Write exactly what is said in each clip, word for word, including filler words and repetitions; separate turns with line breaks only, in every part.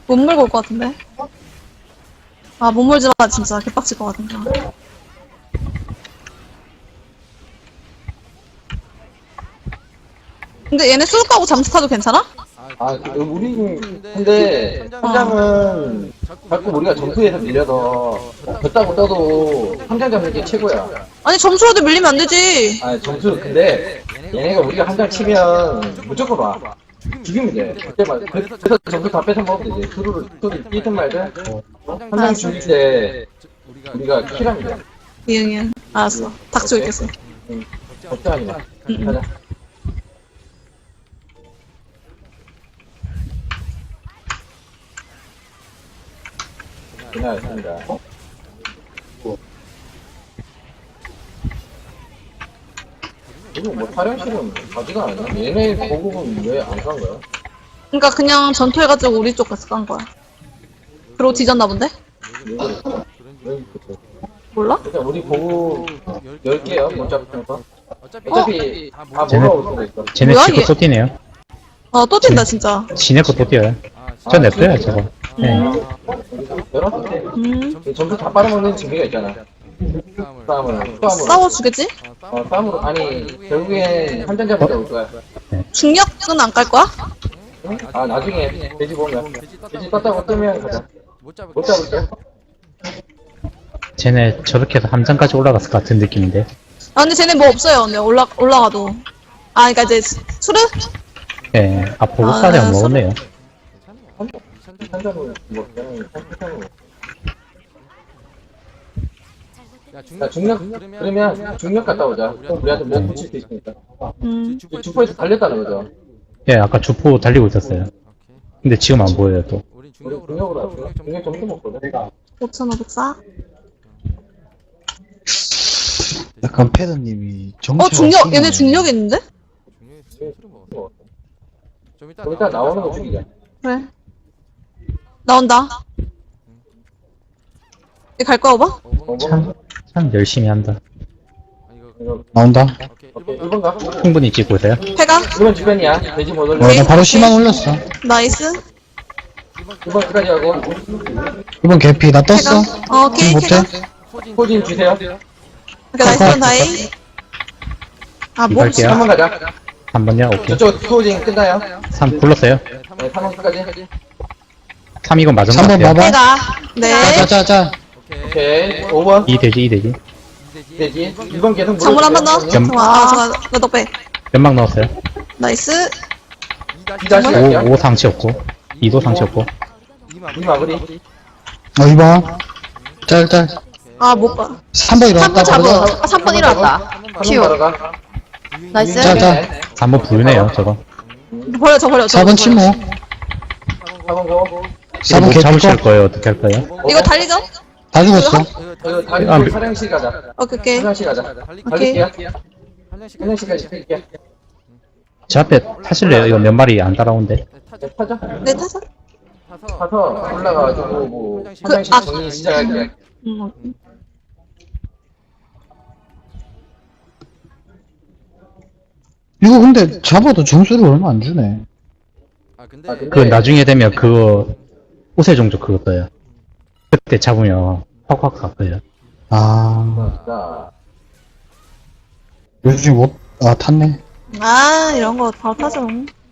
못 물고 올 것 같은데? 아, 못 물지 마, 진짜. 개빡칠 것 같은데. 근데 얘네 쏠 거고 잠수 타도 괜찮아?
아, 그, 우리, 근데, 현장은 자꾸 우리가 점수에서 밀려서, 졌다고 떠도, 함장 잡는 게 최고야.
아니, 점수라도 밀리면 안 되지.
아, 점수, 근데, 얘네가 우리가 함장 치면, 무조건 와. 죽이면 돼. 그때만. 그- 그래서 점수 다 뺏어 먹으면 되지. 수루를, 수루 뛰든 말든, 함장 죽일 때, 우리가 킬하면 돼.
이응, 이응. 알았어. 닥치고 있겠어.
응. 걱정하지 마.
응.
가자. 고생하셨습니다. 이거 뭐 촬영실은 가지가 않나? 얘네 보급은 왜 안 간 거야?
그니까 그냥 전투해가지고 우리 쪽 가서 깐 거야. 그러고 뒤졌나 본데?
왜 그랬어? 왜 그랬어?
몰라?
일단 우리 보급 열 개요, 못 잡는 거.
어차피
어차피 다
쟤네-
몰아올 수도 있어.
쟤네
뭐야,
치고
얘?
또 뛰네요.
아, 또 뛴다, 진짜.
지네 거 또 뛰어요.
아,
저 냅둬요, 저거. 네.
열었을 때.
음.
점수 다 빨아먹는 재미가 있잖아. 싸움을. 싸움으로.
싸워주겠지?
어, 싸움으로. 아니, 결국엔 한잔 잡을 때 올 거야.
중력은 안 깔 거야?
응? 아, 나중에 돼지 보면. 돼지 떴다고 뜨면 가자.
못 잡을
못 잡을 때.
쟤네 저렇게 해서 함장까지 올라갔을 것 같은 느낌인데.
아, 근데 쟤네 뭐 없어요, 근데 올라, 올라가도. 아, 그니까 이제, 수르?
예, 아, 보고
아,
싸대 안
서로-
먹었네요.
한잔을 뭐, 그냥, 한잔으로.
야,
자, 중력, 그러면 중력 갔다 오자. 그럼 우리한테 못 붙일 수 있으니까.
음.
주포에서 달렸다는 거죠.
예, 아까 주포 달리고 있었어요. 근데 지금 안 보여요, 또.
우린
우리
중력으로
중력으로
하자.
할까?
중력
중력 점수 먹거든.
오천오백사?
약간 패드님이 정체가
어, 중력,
심하네.
얘네 중력 있는데?
중력에 술을 먹었어. 좀 이따
좀 이따 나오는 거 죽이자.
그래. 나온다. 얘 갈 거야, 오바?
어, 뭐?
참, 참 열심히 한다.
아, 이거
이거,
나온다.
오케이.
오케이,
일 번
일 번 가.
충분히 찍고 있어요.
패가?
일 번 주변이야. 돼지 못 올려.
어, 나 바로 십만 올렸어.
나이스.
일 번 끝까지 하고.
이번 개피 나 떴어.
패가? 어, 오케이,
지금
패가.
못해?
포진
포진 주세요.
오케이, 나이스 원 다이. 아, 뭐,
갈게요.
삼 번 가자.
한 번요? 오케이.
저쪽 포진 끝나요?
삼 불렀어요.
네, 삼 번 끝까지.
삼 이건 맞은 것
삼 번
같아요.
봐봐.
패가. 네.
짜짜짜.
오케이.
오케이. 오 번.
이 돼지, 이 돼지.
돼지. 일 번 계속
장물 한 번 더.
물어주세요.
잠깐만, 아, 잠깐, 나 덕배.
연막 넣었어요.
나이스.
이 다시 갈게요.
오, 오 상치 없고. 이도 상치 없고.
이 마무리.
어, 이번. 짤, 짤.
아, 못 봐.
삼 번
삼 번
일어났다.
잡어.
바로.
아, 삼 번 일어났다.
한번
키워.
바로 가.
나이스.
자, 자.
삼 번 부르네요, 저거.
버려, 저 버려. 저
사 번
버려.
침묵.
사 번 고.
사 번
이거
개피
잡으실
거.
거예요, 어떻게 할 거예요?
이거 달리죠?
다 죽었어.
이거 다리
아,
아, 사령실 가자.
오케이, 오케이.
사령실 가자.
오케이.
달릴게요.
한 장씩
사령실까지 갈게요.
제 앞에 타실래요? 이거 몇 마리 안 따라오는데.
타죠.
네, 타자.
네, 타자.
타서
가서 올라가가지고 뭐
그,
화장실
아,
정리 시작할게요.
음,
이거 근데 잡아도 점수를 얼마 안 주네.
아, 근데
아, 근데-
그 나중에 되면 그거, 옷의 종족 그거 떠요. 그때 잡으면 확확 갚아요.
아,
자,
요즘 못, 아, 탔네.
아, 이런 거 다 타죠.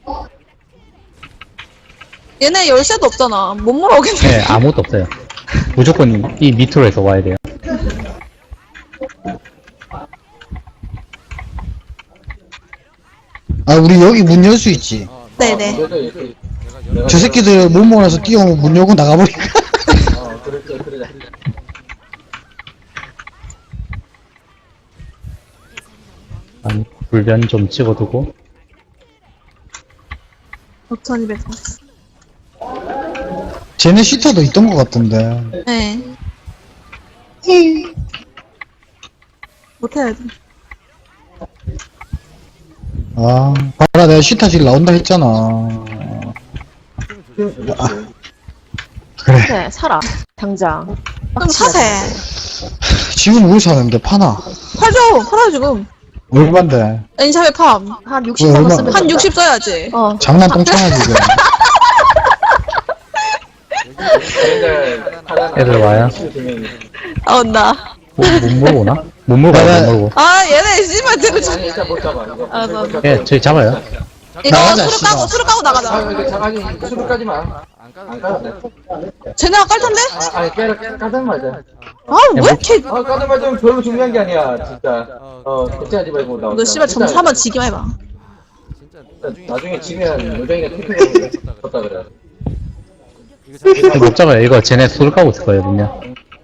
얘네 열쇠도 없잖아. 못 물어오겠네.
네, 아무것도 없어요. 무조건 이 밑으로 해서 와야 돼요.
아, 우리 여기 문 열 수 있지.
어,
네네.
그래도 이렇게
내가 여러
저 새끼들 못 모아서 뛰어오면 문 열고 나가버리니까.
어 그렇죠 그러자.
한 불변 좀 찍어두고.
오천이백사십.
쟤네 시터도 있던 것 같던데.
네. 못해야 돼.
아, 봐라, 내가 시터 지금 나온다 했잖아. 그래.
네, 사라. 당장.
그럼 사세.
지금 우리 사는데 파나?
팔죠. 팔아요, 지금.
얼만데?
엔샵에 팜.
한 육십
왜,
만 원
얼마-
쓰면
한
된다.
육십 써야지.
어.
장난 똥차나 지금.
얘네들 하나
애들 와요?
아, 온다.
못, 못 몰고 오나? 못 몰고 와요, 못 몰고.
아, 얘네 씨발 들고
아니 일단 못 잡아 이거.
아, 나-
못 잡아.
예, 저희 잡아요.
이거
나가자,
수루
씨발.
까고, 수루 까고
아
나가자.
이거 잡아니 수루까지만
안 까도
안
돼.
까도 돼.
쟤네가 깔 텐데?
아 아니 깨라 까든 말자.
아, 왜 이렇게.
아 까든 말자면 별로 중요한 게 아니야 진짜. 어 걱정하지 말고 나와.
너 씨발 점수 한번 지기만 해봐.
진짜
나중에, 나중에 지면 요정이가 태클을 줬다 그래.
이거 잘
못 잡아요. 이거 쟤네 술 까고 있을 거예요, 분명.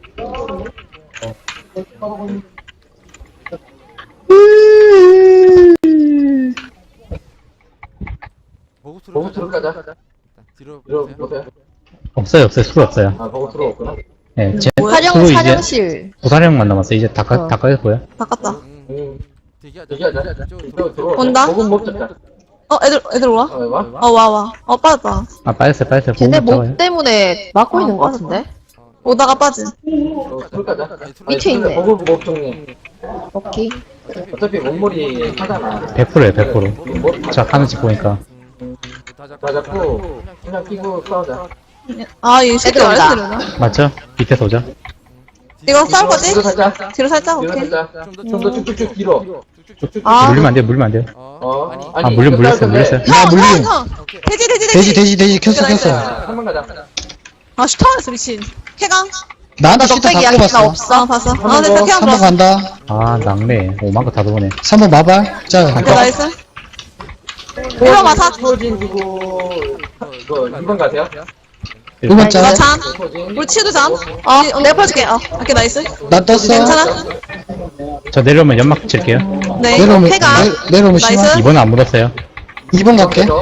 보고수로
보고 수루 까자.
뒤로
이러
보세요.
보세요.
없어요, 없어요. 술 없어요.
아 보고 수루 없구나.
예, 쟤,
뭐야?
술로
사령,
이제
사령실.
부사령만 남았어요. 이제 다, 까,
어.
다 까였고요.
바꿨다.
응.
응.
대기하자.
얘기하자.
이쪽으로
이거
들어와.
들어와.
온다?
보고 못 잡자.
어, 애들, 애들 와?
어 와?
어, 와, 와. 어, 빠졌다.
아, 빠졌어요, 빠졌어요.
걔네
보고
목
잡아요.
때문에 막고 있는 것 같은데?
오다가 빠진.
어 수루 까자.
밑에 있네.
보고 못 정리.
오케이.
어차피 몸무리 하잖아.
백 퍼센트예요, 백 퍼센트. 자, 하는 집 보니까.
다 잡고
다 잡고 그냥 끼고 싸우자.
아, 이 새끼
애들 온다.
알았으려나?
맞죠? 밑에서 오죠?
이거 싸울 거지?
뒤로 살자.
뒤로 살짝,
뒤로
오케이.
살자. 좀 더 쭉쭉쭉 뒤로. 쭉쭉.
아,
물리면 안 돼요, 물리면 안 돼요.
어.
어.
아니.
아, 물려,
이거
물렸어요,
싸울
물렸어요.
건데.
야,
형,
물림.
형, 형.
오케이.
돼지, 돼지,
돼지, 돼지, 돼지, 켰어,
나이스.
켰어.
한번 가자.
아, 슈터였어, 미친. 쾌강?
나한테 시트 다
넉백이야,
꼽았어.
걔가 없어.
아, 봤어. 아, 네,
번,
쾌강
삼 번
들어왔어.
간다.
아, 낙네. 오만 거 다 도네.
삼 번 마발. 자,
오케이, 나이스. 일 번 마사.
소진 주고 이거 이 번 가세요.
일 번
나
짤.
잠.
소진.
우리 치유도 잠. 어, 내가 풀어줄게. 어, 오케이, 나이스.
나 떴어.
괜찮아?
저 내려오면 연막 칠게요.
네,
내려오면,
쾌강.
내, 내려오면
나이스.
심한.
이번은 안 묻었어요.
이 번 갈게.
사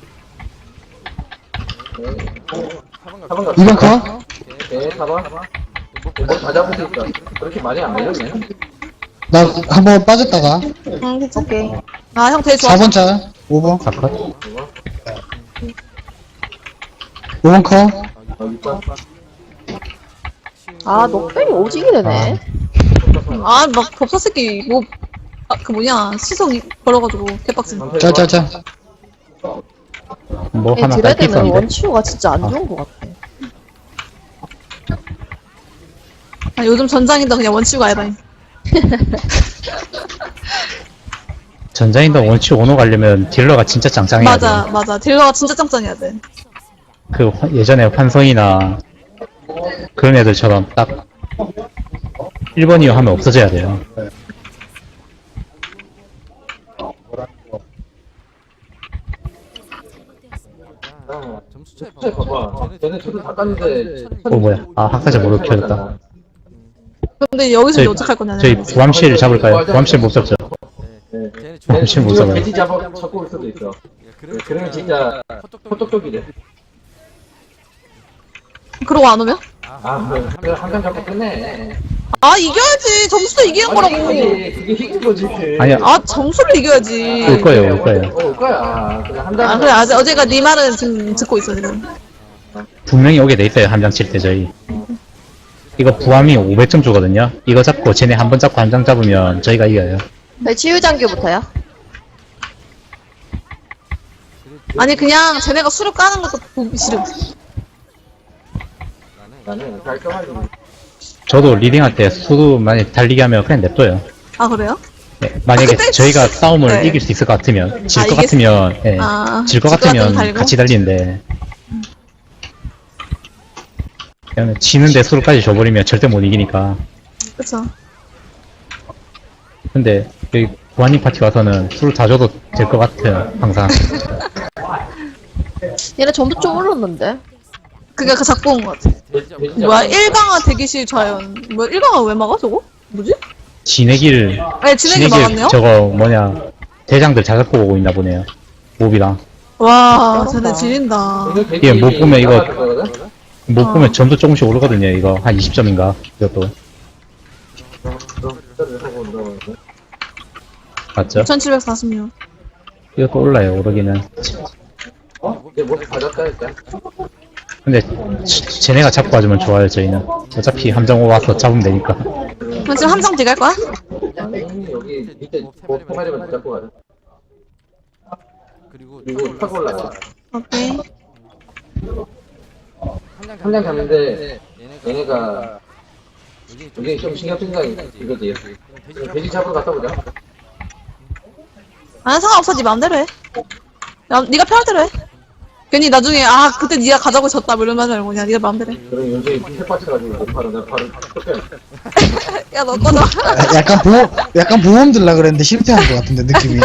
번 가.
이 번 컷.
네, 사 번. 뭐다 잡을 수 있어. 그렇게 많이 안 걸렸네.
나 한 번 빠졌다가.
응, 괜찮아.
오케이.
아, 형 되게 좋아.
사 번 짤. 오 번.
사컷.
오 번 컷.
어, 육 번.
아, 녹백이 오지게 되네.
아, 막 법사 새끼 뭐, 아, 그 뭐냐 시속 걸어가지고 개빡친.
짤, 짤, 짤.
뭐
얘
하나
드레
깔게
되면
있었는데.
원치호가 진짜 안 좋은 것 같아.
아, 요즘 전장이다 그냥 원치우가 아니다니.
전장인도 원치 오노 가려면 딜러가 진짜 짱짱해야
맞아,
돼.
맞아. 딜러가 진짜 짱짱해야 돼.
그 화- 예전에 환성이나 그런 애들처럼 딱 일 번이요 하면 없어져야 돼요.
아,
점수 차이
진짜 봐봐. 쟤네 둘다 깠는데.
어 뭐야? 아 학사자 모두 켜졌다.
근데 여기서
저희
이제 어떡할 거냐.
저희 부함실 잡을까요? 부함실 못 잡죠.
네.
어, 혹시 못 잡아요.
돼지 잡아 잡고 올 수도 있어. 네, 그러면 진짜 호떡떡이래.
그러고 안 오면?
아, 그래 한장 잡고 끝내.
아, 이겨야지. 점수도 이기는 거라고.
그게 그게 이긴 거지.
아니야.
아, 점수를 이겨야지.
올 거예요, 올 거예요.
어, 올 거야. 그냥 한 장.
아, 그래. 아직 어제가 네 말은 지금 듣고 있어, 지금.
분명히 오게 돼 있어요. 한 장 칠 때 저희. 이거 부함이 오백 점 주거든요. 이거 잡고 쟤네 한 번 잡고 한 장 잡으면 저희가 이겨요.
네, 치유장교부터요?
아니, 그냥 쟤네가 수를 까는 것도 보기 싫음.
나는 깔끔하게.
저도 리딩할 때 수도 많이 달리게 하면 그냥 냅둬요.
아, 그래요?
네, 만약에
아, 근데-
저희가 싸움을
네.
이길 수 있을 것 같으면 질
아,
것
이길 수-
같으면 예,
아,
질 것
질 것 같으면
같으면
달리고?
같이 달리는데 그냥 지는데 수로까지 줘버리면 절대 못 이기니까.
그쵸.
근데 여기 부하님 파티 와서는 술 다 줘도 될 것 같아요. 항상.
얘네 점수 좀 올랐는데?
그게 그 작고 온 것 같아. 뭐야, 일 강화 대기실 좌연. 뭐야, 일 강화 왜 막아, 저거? 뭐지?
진해길
네, 진행이 막았네요?
저거 뭐냐 대장들 자작고 오고 있나 보네요. 몹이랑
와, 쟤네 지린다.
예, 못 보면 이거-
거거든?
못
어.
보면 점수 조금씩 오르거든요. 이거 한 이십 점인가 이것도 맞죠?
이천칠백사십육.
이것도 올라요. 오르기는.
어? 이제 뭐 가졌다 일단.
근데 지- 쟤네가 잡고 가주면 좋아요. 저희는 어차피 함정 와서 잡으면 되니까.
그럼 지금 함정 뒤갈 거야?
아니 여기 밑에 뭐 포마리만 잡고 가자.
그리고
그리고 타고 올라가.
오케이.
한 장 잡는데 얘네가 이게 좀 신경 쓴 생각이 이거지. 돼지 잡으러 갔다 오자.
아 상관없어 네 마음대로 해. 야, 네가 편할 대로 해. 괜히 나중에 아 그때 네가 가자고 졌다 뭐 이런 말 말고 그냥 네가 마음대로 해.
그럼 요새 햇받쳐가지고 바로 내가 바로 쫓겨야
야 너 꺼져.
아, 약간 보험, 약간 보험 들라 그랬는데 실패한 것 같은데, 느낌이.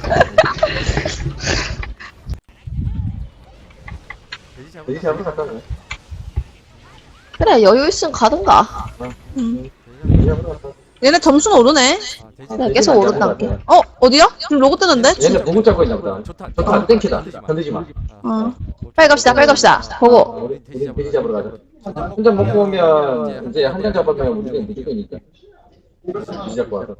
돼지 잡으러 갔다 오자.
그래, 여유 있으면 가든가.
음.
돼지 잡으러 갔다 오자.
얘네 점수는 오르네.
그래, 계속 오른다게.
어 어디야? 지금 로고 뜨는데?
얘네 보고 잡고 있나 보다. 저도 안 땡키다. 건드지 마.
어.
빨리 갑시다, 빨리 갑시다. 보고.
어, 우리 돼지, 돼지 잡으러 가자. 한 장 먹고 오면 이제 한 장 잡으면 우리는 무조건이니까. 돼지 잡고 와서.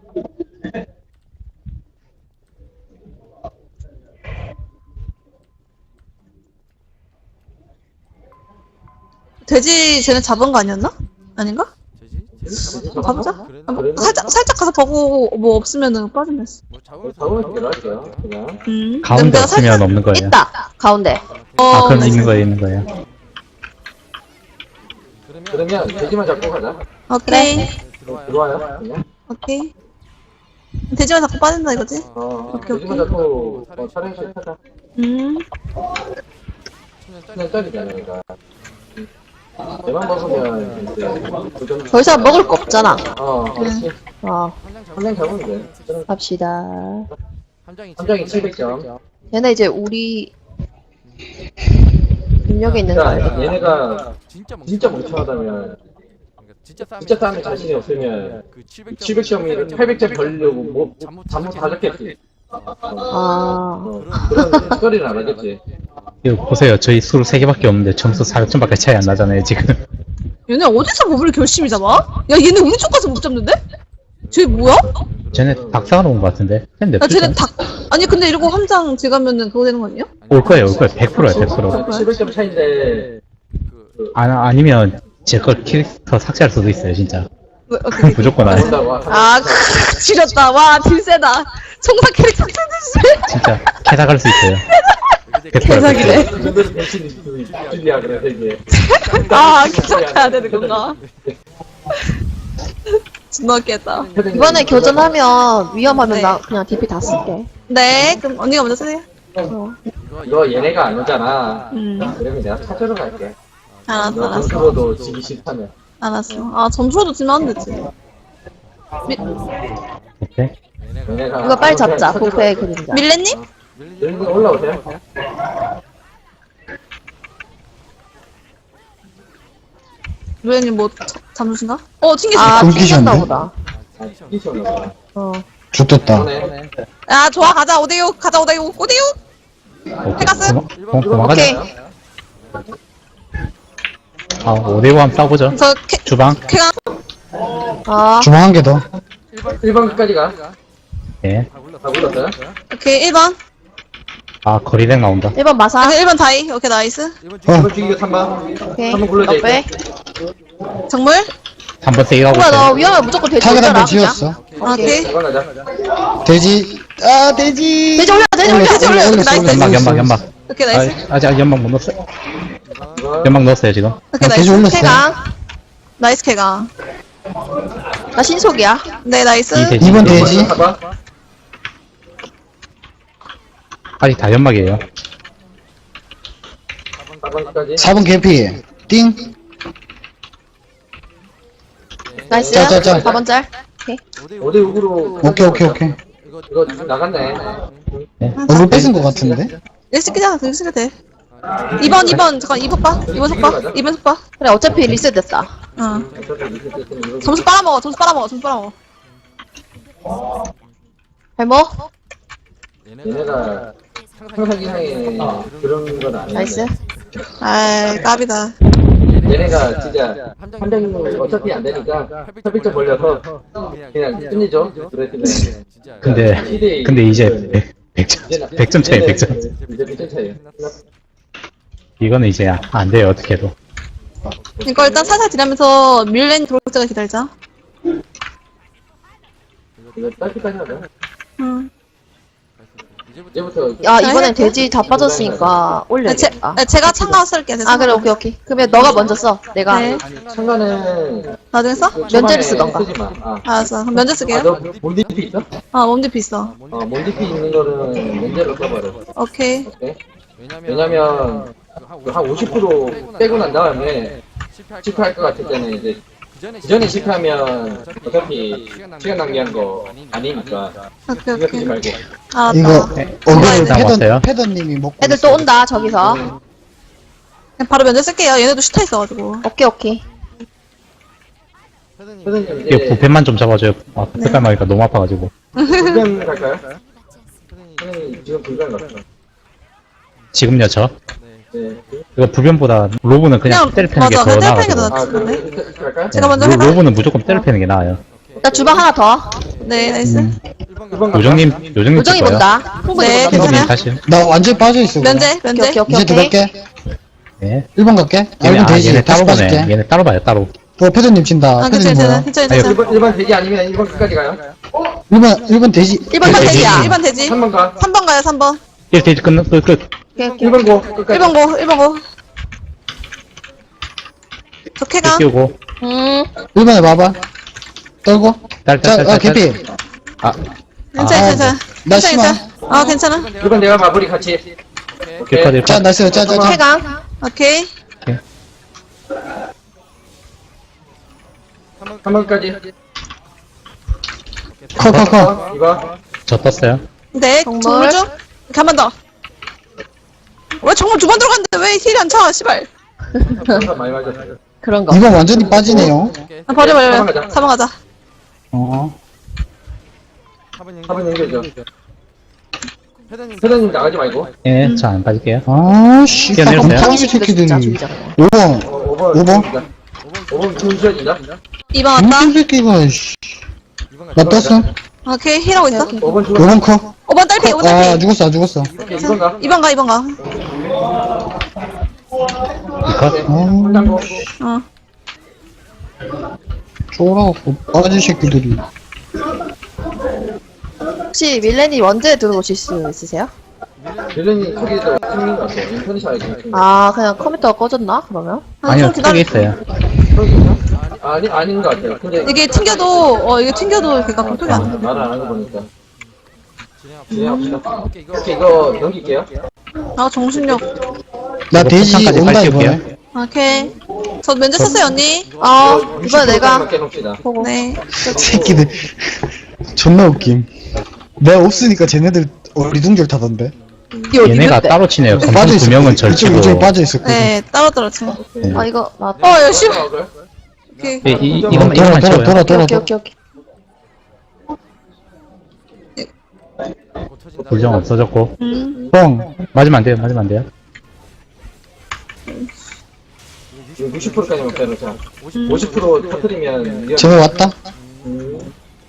돼지 쟤네 잡은 거 아니었나? 아닌가? 가보자. 아, 뭐, 살짝 살짝 가서 보고 뭐 없으면은 빠지면.
잡으면 되게 할게요. 그냥.
음.
가운데
내가
없으면
살짝-
없는 거예요.
있다, 가운데.
어,
아, 그럼
나이스.
있는 거예요, 있는 거예요.
그러면 돼지만 잡고 가자.
오케이.
들어와요. 그냥.
오케이. 돼지만 자꾸 빠진다 이거지?
어,
오케이,
돼지만 잡고 어, 촬영실 타자.
음.
그냥 짜리잖아, 얘가. 대만 먹으면 이제 도전.
더 이상 먹을 거 없잖아.
어, 그렇지.
어,
한 장 잡으면 돼.
갑시다.
한 장이 칠백 점.
얘네 이제 우리 능력에 있는 거
그러니까
알고.
얘네가
진짜
진짜 멍청하다면 진짜 싸움에 자신이 없으면
그
칠백 점이 팔백 점 벌려고 뭐 잘못 다 잡겠지.
아,
어, 그런 소리는 안 하겠지.
이거 보세요. 저희 술 세 개밖에 없는데 점수 사백 점밖에 차이 안 나잖아요, 지금.
얘네 어디서 법을 결심이 잡아? 야 얘네 우리 쪽 가서 못 잡는데? 쟤 뭐야?
쟤네 닭사가 놓은 것 같은데? 근데
야 쟤네 닭 아니 근데 이러고 함장 들어가면은 그거 되는 거 아니에요?
올 거예요, 올 거예요. 백 퍼센트예요, 백 퍼센트.
칠백 점 차인데
아, 아니면 제 걸 캐릭터 삭제할 수도 있어요, 진짜.
왜, 어떻게?
무조건 안 해.
온다고.
아 크, 지렸다. 와 딜세다. 총사 캐릭터 쓰듯이.
진짜 캐다갈 수 있어요.
개사기네.
그 정도로 대신이 줄리야 그래 되게.
아 기억해야 되는 건가? 존나 웃겠다.
이번에 교전하면 위험하면
네.
나 그냥 디피 다 쓸게.
네 그럼 언니가 먼저 쓰세요.
어.
너 얘네가 안 오잖아.
음
그러면 내가 찾으러 갈게.
알았어
너
알았어
점수로도 지기 싫다면.
알았어. 아 점수로도 지면 안 되지. 미,
오케이.
얘네가
이거 빨리
안 오면
잡자,
찾으러
부패의
갈게.
그림자.
밀레님?
여기 올라오세요.
밀레님 뭐 자- 잠수신가? 어 튕기시.
아,
끊기셨네.
튕겼나 보다.
아, 이시 올라오세요.
어.
좋겠다.
이번에
야 좋아 가자 오대육 가자 오대육 오대육. 해갔어?
도망, 도망가자.
오케이.
아, 오대오 한번 싸보죠.
저 캐,
주방.
캐가
아,
주방 한 개 더.
일 번까지 가.
예.
다 불렀어요?
오케이 일 번.
아, 거리백 나온다.
일 번 마사.
아 일 번 다이. 오케이 나이스.
일
어,
번 죽이고 삼 번.
오케이.
한번 굴러져
너 빼.
정물?
한 번 세게 가고
뭐야, 너
있어요.
위험해. 무조건 돼지
타겟
올려라.
한번
그냥.
지었어.
오케이.
일 번 가자.
돼지. 아, 돼지.
돼지 올려, 돼지 올려,
올렸어,
돼지 올려.
올렸어,
나이스,
올렸어,
연막,
올렸어.
연막, 연막.
오케이 나이스.
아, 아직 연막 못 넣었어요.
이번
연막 넣었어요, 지금.
오케이
아, 돼지
나이스.
올렸어.
쾌강.
나이스 캐가.
나 신속이야.
네 나이스.
이 돼지.
이번 돼지.
사 번.
아직 다 연막이에요.
사 번까지.
사 번 개피. 띵.
나이스.
자, 자, 자.
사 번 짤. 오케이.
오 대 육으로.
오케이, 오케이, 오케이.
이거 나갔네.
네.
얼굴 뺏은 것 같은데?
일찍 끼잖아. 일찍 끼도 돼. 이 번 이 번 잠깐 이 번 봐. 이 번 속봐. 이 번 속봐.
그래, 어차피 리셋 됐다.
어. 점수 빨아먹어. 점수 빨아먹어. 점수 빨아먹어.
발목.
얘네가 상상 이상의 그런 건 아니야.
나이스.
아이 까비다.
얘네가 진짜 함장이 어차피 안 되니까 팔백 점 벌려서 그냥 끝내죠. 그랬으면
근데, 근데 이제 백 점, 백 점 차이, 백 점.
이제 백 점 차이.
이거는 이제 안 돼요, 어떻게 해도.
이거 일단 살살 딜하면서 밀렌 들어올 때까지 기다리자.
이거 짧게까지 하자.
응.
이제부터
야, 이번엔 돼지 다 빠졌으니까
네, 제,
올려야겠다.
네, 제가 참가 쓸게요.
아, 그래, 오케이, 오케이. 그러면 너가 먼저 써. 내가.
네.
참가는
나중에 써?
면제를 쓰던가.
쓰지 마. 아,
알았어. 그럼 면제
아,
쓸게요.
너 몸디피 있어?
아, 몸집 있어.
어, 몸디피 있는 거는 면제로 써버려.
오케이.
오케이?
왜냐면
왜냐면 그한 오십 퍼센트 빼고 난 다음에
실패할
실패할 것 같을 때는 이제 그 전에 실패하면 어차피 시간 낭비한 거 아니니까
오케이,
이거 쓰지
오케이.
말고.
아,
이거
맞다.
어그를
일단 왔어요.
패던, 패던님이 먹고
애들 또
있어요.
온다, 저기서.
그냥 바로 면제 쓸게요. 얘네도 슈타 있어가지고.
오케이, 오케이.
선생님
이거
이제
부패만 좀 잡아줘요. 아, 색깔 막니까 너무 아파가지고.
불변 갈까요? 선생님 지금 불변 갔어.
지금요, 저?
네.
이거 불변보다 로브는 그냥 때려 패는 게
맞아.
더
그냥 때려 패는 게
나아가지고.
더
아 그럼
낫지.
이렇게 이렇게 갈까요?
제가 먼저
로-
해봐요.
로브는 무조건 때려 패는 게 나아요.
나 주방 하나 더.
네, 나이스.
음.
일 번 갈까요?
요정님, 요정님
요정이
찍어요.
본다. 홍보이
네,
본다.
괜찮아요.
요정님 다시.
나 완전 빠져있어. 그냥.
면제, 면제.
오케이, 오케이,
이제
오케이.
들어갈게.
네.
일 번 갈게. 아,
얘네,
이건
아,
되지.
얘네
다시
따로 보네.
빠질게.
얘네 따로 봐요, 따로.
어, 패던님 친다.
아,
패던님
괜찮아,
뭐야?
괜찮아,
네,
괜찮아.
일 번 일 번 대기 아니면 일 번까지 가요?
일 번, 일 번 돼지.
일 번
돼지.
선택이야.
일 번 되지.
삼 번 가.
삼 번 가요, 삼 번.
일 대지 끝, 끝, 끝.
오케이, 오케이.
일 번 고. 끝까지.
일 번 고, 일 번 고. 저 쾌감.
끼우고.
음.
일 번에 봐봐. 떨고.
딸,
자,
딸,
아,
딸, 딸.
개피.
아,
괜찮아,
아,
괜찮아.
나
괜찮아,
심하.
괜찮아. 아, 괜찮아.
일 번 내가 마무리 같이.
격파될
자, 나이스. 자, 자, 자.
쾌강.
오케이.
삼 번까지.
커, 커, 커.
어, 이거.
저 떴어요.
네,
정말?
정물 중. 이렇게 한 번 더. 왜 정말 두 번 들어갔는데 왜 힐이 안 차, 씨발.
항상 많이 맞았어요.
그런 거.
이번 완전히 빠지네요.
아, 버려, 버려.
삼 번 가자.
삼 번 가자.
어.
사 번 연결죠.
회장님
회장님 나가지 말고.
예, 저 안 빠질게요.
아, 씨.
뛰어내렸어요?
깜짝이
진짜
새끼들이.
죽이자, 그냥.
오 번.
어, 오 번.
오 번?
오 번 준수해진다.
이 번 왔다.
무슨 새끼가, 씨. 나 떴어.
오케이, 힐하고 있어.
오 번
오
죽었어.
번 커.
오 번 딸피, 오 번
아,
딸피.
죽었어, 아, 죽었어.
오케이, 이 번 가.
이 번 가, 이 번 가.
컷.
아,
땅고.
어.
쫄아갖고 빠진 새끼들이.
혹시 밀레니 원제 들어오실 수 있으세요?
딜런이 크기도 생긴 것 같아. 인터넷 알지?
아, 그냥 컴퓨터가 꺼졌나? 그러면?
아니요,
좀 기다려.
크게 있어요.
아니, 아닌 것 같아요. 근데.
이게 튕겨도, 어, 이게 튕겨도 이렇게 공통이 안 돼.
말을 안 하는 거 보니까. 진행합시다.
오케이 이거
오케이, 이거 넘길게요.
아, 정신력.
나
이거
돼지
폭탄까지
온다,
빨리
이번에.
띄울게요.
오케이. 저 면제 썼어요, 언니.
어,
이거
이번에 내가.
육십 퍼센트만 깨놓읍시다.
보고.
네.
새끼들. 존나 웃김. 내가 없으니까 쟤네들 어리둥절 타던데.
이 어디
얘네가
있는데?
따로 치네요.
빠져
검정 두
있어.
명은
이쪽,
절치고.
이쪽에 빠져 있었거든.
네, 따로 떨어져.
아, 이거, 나.
어, 야, 씨. 오케이.
예, 이, 이,
돌아,
이것만,
돌아,
이것만
돌아,
치워요.
돌아,
오케이,
돌아,
오케이,
돌아.
오케이, 오케이.
못 터진다.
불정 없어졌고.
음.
뻥.
맞으면 안 돼요, 맞으면 안 돼요.
지금 육십 퍼센트까지만 빼놓자. 오십 퍼센트 터뜨리면. 위험-
쟤네 왔다?
음,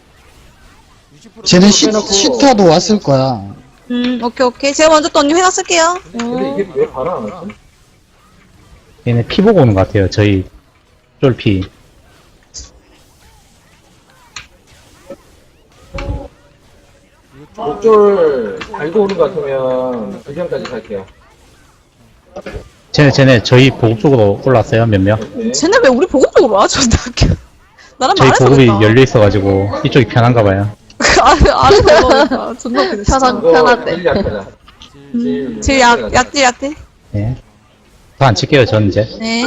쟤네 시, 시타도 왔을 거야.
음, 오케이, 오케이. 제가 먼저 또 언니 회사 쓸게요.
근데 이게 왜 바로 안 왔지?
얘네 피 보고 오는 것 같아요, 저희 쫄피.
목줄 알고 오는 것 같으면 불경까지 갈게요.
쟤네, 쟤네 저희 보급 쪽으로 올라왔어요, 몇 명.
네.
쟤네 왜 우리 보급 쪽으로 와? 존나 웃겨. 나랑
저희
말해서
보급이
그랬다.
열려 있어가지고, 이쪽이 편한가 봐요.
아래, 아래 넘어가니까. 존나 웃기네. 진짜.
편한-
이거
편하대.
제일 약하다.
음, 제일 약, 약지, 약지.
예. 더 안 칠게요, 전 이제.
네.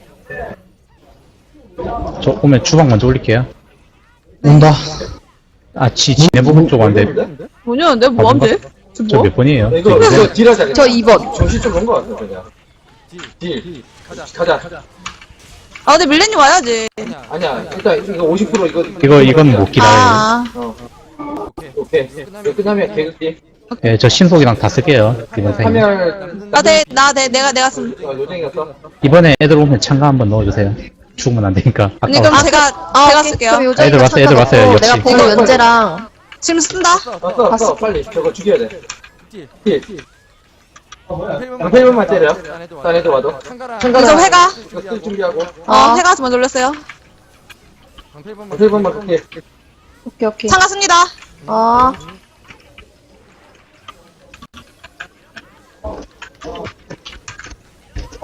저 오면 주방 먼저 올릴게요.
온다.
아, 지, 지네 보급 쪽 왔는데,
뭐냐, 내가 뭐 하면 돼? 저
저
뭐?
몇 번이에요?
이거 이거 딜하자. 그냥.
저 이 번.
정신 좀 온것 같아 그냥. 딜. 가자. 가자.
아, 근데 밀레님 와야지.
아니야. 일단 이거 오십 퍼센트 이거.
이거, 이건 못 기다려요.
아,
어. 오케이. 이거 끝나면 개극기.
예, 저 신속이랑 다 쓸게요, 이번 생에.
하면.
나 대, 나 대, 내가, 내가 쓴.
어, 요정이었어.
이번에 애들 오면 참가 한번 넣어주세요. 죽으면 안 되니까.
언니,
아까워.
그럼 제가,
아,
제가
오케이.
쓸게요.
그럼 요정이가
애들 왔어, 애들 왔어요,
찾아놓고
역시.
내가 보고 연재랑.
지금 쓴다?
왔어 왔어. 빨리 저거 죽여야 돼.
딜.
딜.
방패만
방패만 때려. 딴 애들 와도.
참가라.
그래서 회가?
이거 쓸 준비하고.
어,
아.
회가 먼저 올렸어요.
방패만
방패만 그렇게.
오케이, 오케이.
참가 씁니다.
아,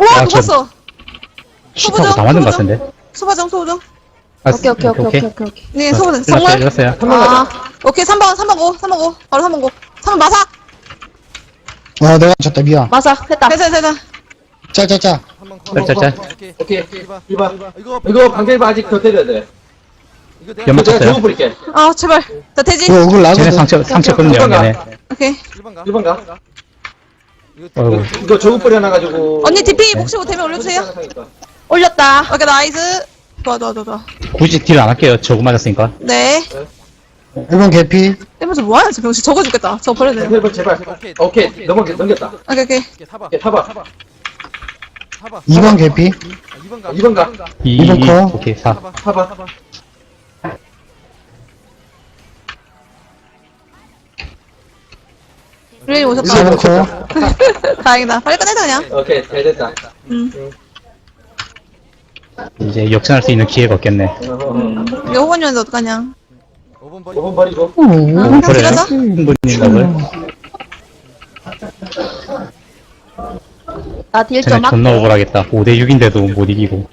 우와
아, 저-
녹았어.
시타고 다 맞은 것 같은데.
소바정 소바정.
아,
오케이, 오케이, 오케이, 오케이, 오케이, 오케이.
네 소바정.
일났어요,
정말.
일났어요.
한 명 가자.
아 오케이 삼 번 삼 번 고 삼 번 고 바로 삼 번 고. 삼 번 마삭.
아 내가 졌다 미안.
맞아, 했다.
됐어 됐어 됐어.
짜짜짜.
한번
짤짤짤.
오케이.
오케이.
일반.
일 번.
이거
이거 방kel바 아직 더 때려야 돼.
이거
이거
내가
연막
내가
쳤어요.
저거 뿌릴게.
아 제발. 자 돼지.
이거 억울
쟤네
나거든.
상처, 상처거든요,
잠깐만.
얘네.
오케이.
일반 가.
일 번 가.
이거
어이구.
이거 저거 뿌려놔가지고.
언니 디피 혹시 못되면 올려주세요.
올렸다.
오케이 나이스. 좋아 좋아 좋아 좋아.
굳이 딜 안 할게요. 저거 맞았으니까.
네.
일 번 개피.
이러면서 뭐하냐 저 병신 적어 죽겠다. 저거 버려야 돼.
일 번 제발.
오케이.
오케이. 넘어 넘겼다.
오케이 오케이.
오케이, 타봐.
오케이 타봐.
타봐.
이 번 개피.
아, 이번 가.
이 번 가.
이,
이번
이,
거.
오케이, 사.
타봐.
타봐.
타봐.
루인이 오셨다.
사 번 커.
다행이다. 빨리 끝내자 그냥.
오케이 잘 됐다.
음.
이제 역전할 수 있는 기회가 없겠네.
어허허.
이거 호건이었는데 어떡하냐.
오 번 버리.
오 번 버리고.
아, 그냥
그래요?
들어가자.
충분히 답을.
나 딜
쟤네
좀
존나
할게.
억울하겠다. 오 대 육인데도 못 이기고.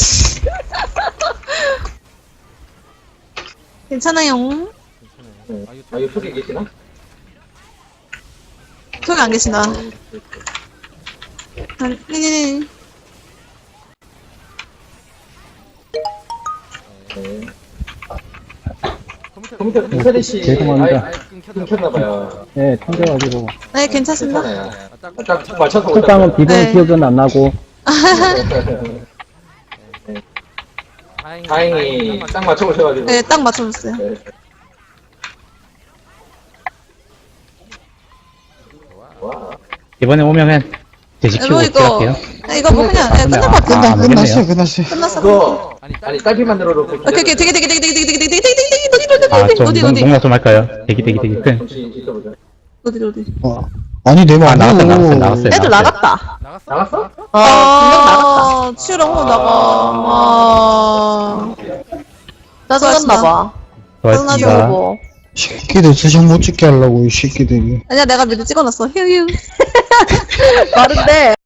괜찮아요.
아 이거 속에 계시나?
소개 안 계신다. 아니, 네.
네.
컴퓨터
컴퓨터 이사리 씨.
죄송합니다.
아예
끊겼나
끊겼나봐요.
네, 튕겨가지고.
네, 괜찮습니다.
괜찮아요.
딱,
딱 맞춰서
첫 방은 비번
네.
기억은 안 나고.
다행히
다행히 딱 맞춰보셔가지고.
네, 딱 맞춰줬어요.
네. 와.
이번에 오면은 돼지 키우고
이거, 이거,
할게요.
네, 이거 뭐 그냥, 네, 끝날 것 같아.
끝나
아,
끝났어
모르겠네요.
끝났어.
끝났어.
그거
아니
아니 딸피 만들어 놓고.
오케이, 오케이, 되게, 되게, 되게, 되게, 되게, 되게, 되게, 되게, 되게, 되게, 되게,
아,
되게,
좀
어디,
농-
어디,
농락 좀 할까요? 대기, 대기, 대기. 끈.
잠시 있어보자.
어디, 어디.
어. 아니 내
아,
말고.
나갔어, 나갔어, 나갔어요.
애들 나갔다.
나갔어?
나갔어?
어, 분명 나갔다.
아, 치우랑 호 나가. 아,
짜증났나봐.
고맙습니다.
이거.
새끼들 스샷 못 찍게 하려고 이 새끼들이.
아니야, 내가 미리 찍어놨어. 휴, 휴.
빠른데.